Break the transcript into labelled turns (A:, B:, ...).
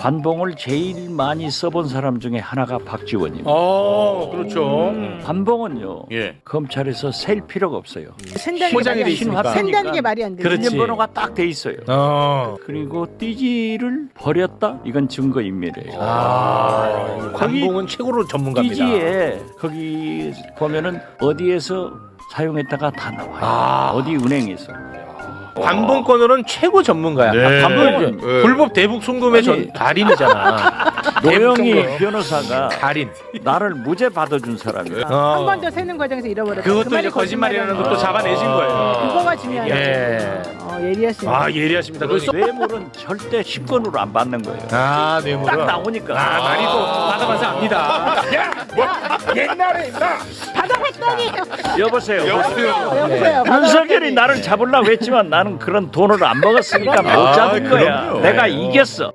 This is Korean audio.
A: 관봉을 제일 많이 써본 사람 중에 하나가 박지원입니다.
B: 그렇죠.
A: 관봉은요.
B: 예.
A: 검찰에서 셀 필요가 없어요.
C: 포장이 돼
A: 있으니까.
C: 센다는 게 말이 안 돼.
B: 그렇지.
A: 인증번호가 딱 돼 있어요. 그리고 띠지를 버렸다? 이건 증거인멸이에요.
B: 관봉은 최고로 전문가입니다.
A: 띠지에 거기 보면은 어디에서 사용했다가 다 나와요. 어디 은행에서.
B: 관봉권으로는 최고 전문가야.
D: 네.
B: 관봉은
D: 네.
B: 불법 대북 송금의
A: 아니.
B: 달인이잖아.
A: 노영희 변호사가
B: 달인.
A: 나를 무죄 받아준 사람이야.
C: 한 번 더 세는 과정에서 잃어버렸다.
B: 그것도
C: 그 말이
B: 이제 거짓말이라는 것도
C: 거짓말이라는
B: 잡아내신 거예요.
C: 그거가 중요하죠.
B: 예.
C: 예리하시네.
B: 아 예리하십니다. 그
A: 뇌물은 절대 10건으로 안 받는 거예요.
B: 뇌물은
A: 딱 나오니까.
B: 많이 또 받아봐서 압니다. 옛날에 나
C: 받아봤더니
A: 여보세요.
C: 여보세요.
A: 윤석열이 나를 잡으려고 했지만 나는 그런 돈을 안 먹었으니까 못 잡은 거야.
D: 그럼요.
A: 내가 이겼어.